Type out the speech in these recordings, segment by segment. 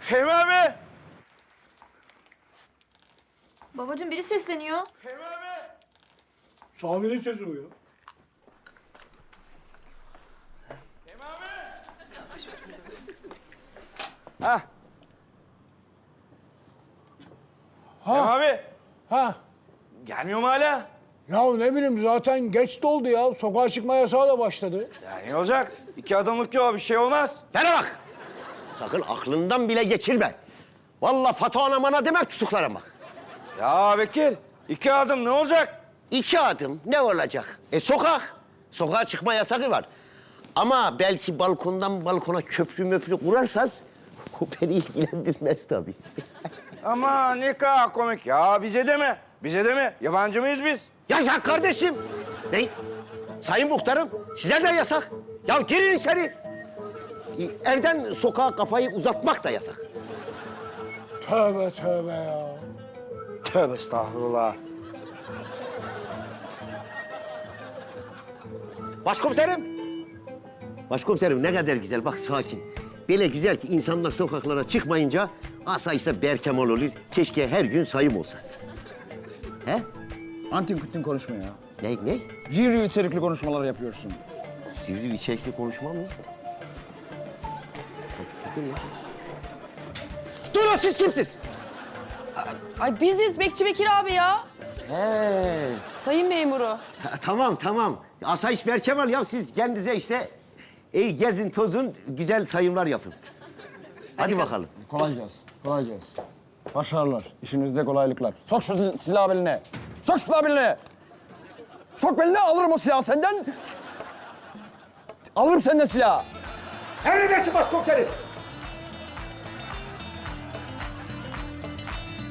Fehmi abi! Babacığım biri sesleniyor. Fehmi abi! Sami'nin sesi bu ya. Fehmi abi! Hah. Fehmi abi! Ha. Gelmiyor mu hala? Ya ne bileyim zaten geç de oldu ya. Sokağa çıkma yasağı da başladı. Ya ne olacak? 2 adımlık yol, bir şey olmaz. Bana bak. Sakın aklından bile geçirme. Vallahi Fato anamana demek tutuklarım bak. Ya Bekir, 2 adım ne olacak? 2 adım ne olacak? Sokak. Sokağa çıkma yasağı var. Ama belki balkondan balkona köprü möprü kurarsanız o beni ilgilendirmez tabii. Ama ne kadar komik ya. Bize deme. Bize deme. Yabancı mıyız biz? Yasak kardeşim. Ne? Sayın muhtarım, size de yasak. Ya girin içeri. Evden sokağa kafayı uzatmak da yasak. Tövbe tövbe ya. Tövbe estağfurullah. Başkomiserim. Başkomiserim ne kadar güzel, bak sakin. Böyle güzel ki insanlar sokaklara çıkmayınca asayişte berkemal olur. Keşke her gün sayım olsa. He? Antin kutin konuşma ya. Ne? Review içerikli konuşmalar yapıyorsun. Sivri içerikli konuşmam mı? Durun, siz kimsiz? Ay biziz Bekçi Bekir abi ya. He. Sayın memuru. Tamam. Asayiş berkemal ya, siz kendinize işte gezin tozun, güzel sayımlar yapın. Hadi bakalım. Kolay gelsin. Kolay gelsin. Başarılar. İşinizde kolaylıklar. Sok şu silahı beline. Sok şu silahı beline. Sok beline, alırım o silahı senden. Alırım senden silahı. Emredersin başkomiserim.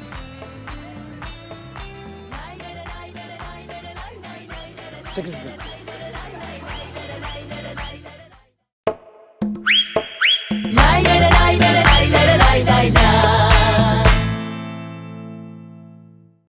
Çekil şuradan.